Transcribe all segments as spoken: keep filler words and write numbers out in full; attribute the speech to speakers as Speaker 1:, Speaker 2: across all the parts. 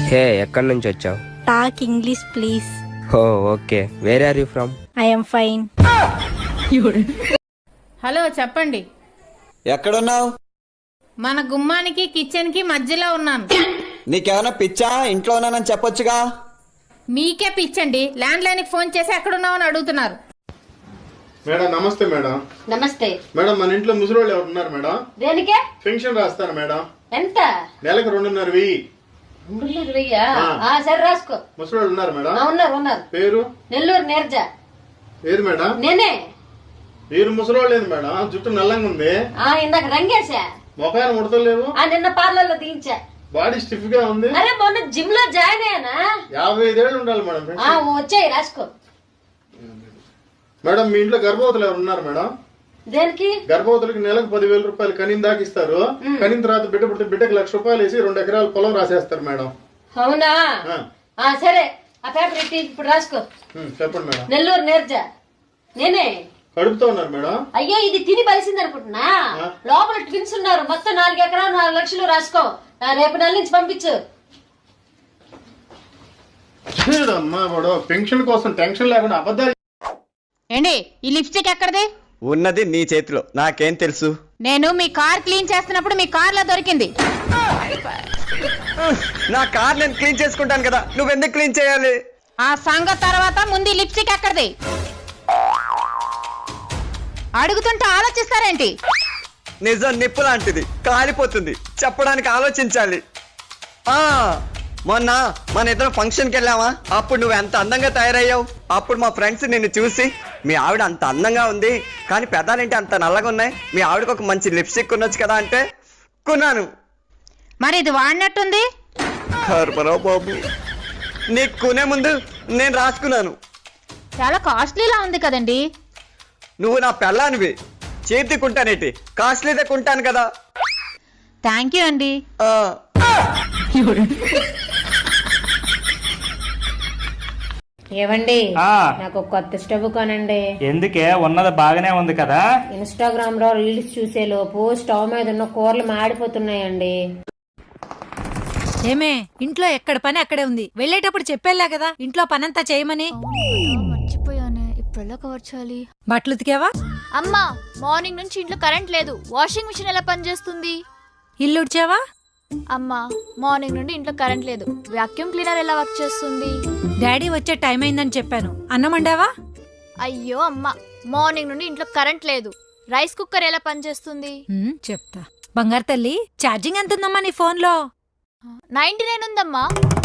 Speaker 1: హే, ఎక్కడి నుంచి వచ్చావు?
Speaker 2: Talk English please.
Speaker 1: Oh okay. Where are you from?
Speaker 2: I'm fine.
Speaker 3: Hello, చెప్పండి.
Speaker 4: ఎక్కడున్నావు?
Speaker 3: మన గుమ్మానికి కిచెన్ కి మధ్యలో ఉన్నాను.
Speaker 4: నీకేమైనా పిచ్చా? ఇంట్లో ఉన్నానని చెప్పొచ్చుగా.
Speaker 3: మీకే పిచ్చండి, ల్యాండ్ లైన్ కి ఫోన్ చేసి ఎక్కడున్నావు అని అడుగుతున్నారు.
Speaker 5: మేడం నమస్తే. మేడం
Speaker 6: నమస్తే
Speaker 5: మేడం మన ఇంట్లో ముసలోళ్ళు ఎవరు ఉన్నారు మేడం?
Speaker 6: దేనికే?
Speaker 5: పెన్షన్ రాస్తాను మేడం.
Speaker 6: ఎంత?
Speaker 5: నెలకు రెండున్నర వెయ్యి.
Speaker 6: రెండున్నర వెయ్యా? సరే రాసుకో.
Speaker 5: ముసలోళ్ళు ఉన్నారు మేడం?
Speaker 6: ఉన్నారు ఉన్నారు.
Speaker 5: పేరు?
Speaker 6: నెల్లూరు నీరజ.
Speaker 5: ఏది మేడం?
Speaker 6: నేనే.
Speaker 5: మీరు ముసలోళ్ళు లేదు మేడం, జుట్టు నల్లంగా ఉంది.
Speaker 6: ఇందాక రంగేశా.
Speaker 5: మొఖాన్ని ముడతలేవు.
Speaker 6: నిన్న పార్లర్ లో దించా.
Speaker 5: బాడీ స్టిఫ్ గా ఉంది.
Speaker 6: అరే మొన్న జిమ్ లో జాయిన్ అయ్యానా.
Speaker 5: యాభై ఐదేళ్ళు ఉండాలి మేడం పెన్షన్.
Speaker 6: వచ్చాయి రాసుకో.
Speaker 5: మేడం మీ ఇంట్లో గర్భవతులు ఎవరు ఉన్నారు మేడం?
Speaker 6: దేనికి?
Speaker 5: గర్భవతులకి నెలకు పదివేల రూపాయలు కనిన దాకా ఇస్తారు. కనిన తర్వాత బిడ్డ పుడితే బిడ్డకి లక్ష రూపాయలు వేసి రెండు ఎకరాల పొలం రాసేస్తారు మేడం.
Speaker 6: అవునా? సరే ఆ పేపర్ ఎట్టి ఇప్పుడు రాసుకో.
Speaker 5: చెప్పండి మేడం.
Speaker 6: నెల్లూరు నీరజ. నేనే.
Speaker 5: కడుపుతో ఉన్నారు మేడం?
Speaker 6: అయ్యో ఇది తిని బలిసింది అనుకుంటున్నా. లోపల ట్విన్స్ ఉన్నారు. మొత్తం నాలుగు ఎకరాలు నాలుగు లక్షలు రాసుకో. రేపు నెల నుంచి పంపించు.
Speaker 5: అమ్మా వాడు పెన్షన్ కోసం టెన్షన్ లేకుండా అబద్ధాలు.
Speaker 3: ఏండి ఈ లిప్స్టిక్ ఎక్కడిది?
Speaker 4: ఉన్నది నీ చేతిలో, నాకేం తెలుసు?
Speaker 3: నేను మీ కార్ క్లీన్ చేస్తున్నప్పుడు మీ కార్ లో దొరికింది.
Speaker 4: నా కార్ నేను క్లీన్ చేసుకుంటాను కదా, నువ్వెందుకు క్లీన్ చేయాలి?
Speaker 3: ఆ సంగతి తర్వాత ముందు లిప్స్టిక్ ఎక్కడిది? అడుగుతుంటే ఆలోచిస్తారేంటి?
Speaker 4: నిజం నిప్పు లాంటిది, కాలిపోతుంది, చెప్పడానికి ఆలోచించాలి. ఆ మొన్న మన ఇద్దరం ఫంక్షన్కి వెళ్ళావా? అప్పుడు నువ్వు ఎంత అందంగా తయారయ్యావు. అప్పుడు మా ఫ్రెండ్స్ నిన్ను చూసి మీ ఆవిడ అంత అందంగా ఉంది కానీ పెదాలేంటి అంత నల్లగా ఉన్నాయి, మీ ఆవిడకు ఒక మంచి లిప్స్టిక్ కొనొచ్చు కదా అంటే కొన్నాను.
Speaker 3: మరి ఇది వాడినట్టుంది.
Speaker 4: కర్మరావు బాబు, నీకు కొనే ముందు నేను రాసుకున్నాను.
Speaker 3: చాలా కాస్ట్లీలా ఉంది కదండి.
Speaker 4: నువ్వు నా పెళ్ళానివి, చేతి కొంటానేటి, కాస్ట్లీదే కొంటాను కదా.
Speaker 3: థ్యాంక్ యూ అండి.
Speaker 7: ఏవండి, నాకు కొత్త స్టవ్ కొనండి.
Speaker 8: ఎందుకే? ఉన్నది బాగానే ఉంది కదా.
Speaker 7: ఇన్స్టాగ్రామ్ లో రీల్స్ చూసే లోపు స్టవ్ మీద ఉన్న కూరలు మాడిపోతున్నాయండి.
Speaker 9: ఏమే, ఇంట్లో ఎక్కడ పని అక్కడే ఉంది. వెళ్ళేటప్పుడు చెప్పేలా కదా ఇంట్లో పనంతా చేయమని.
Speaker 10: మర్చిపోయానే, ఇప్పుడు ఎలా కవర్ చేయాలి?
Speaker 9: బట్టలు ఉతికావా?
Speaker 10: అమ్మా, మార్నింగ్ నుంచి ఇంట్లో కరెంట్ లేదు. వాషింగ్ మిషన్ ఎలా పనిచేస్తుంది?
Speaker 9: ఇల్లు ఉడ్చావా?
Speaker 10: అమ్మా, మార్నింగ్ నుండి ఇంట్లో కరెంట్ లేదు. వాక్యూమ్ క్లీనర్ ఎలా వర్క్ చేస్తుంది?
Speaker 9: డాడీ వచ్చే టైం అయిందని చెప్పాను. అన్నం వండావా?
Speaker 10: అయ్యో అమ్మా, మార్నింగ్ నుండి ఇంట్లో కరెంట్ లేదు. రైస్ కుక్కర్ ఎలా పనిచేస్తుంది?
Speaker 9: చెప్తా. బంగారు తల్లి, ఛార్జింగ్ ఎంత ఉందమ్మా నీ ఫోన్ లో?
Speaker 10: నైన్టీ నైన్ ఉందమ్మా.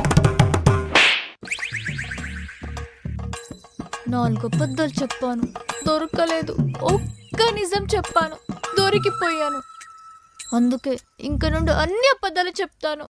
Speaker 10: నాలుగు అబద్ధాలు చెప్పాను, దొరకలేదు. ఒక్క నిజం చెప్పాను, దొరికిపోయాను. అందుకే ఇంక నుండి అన్ని అబద్ధాలు చెప్తాను.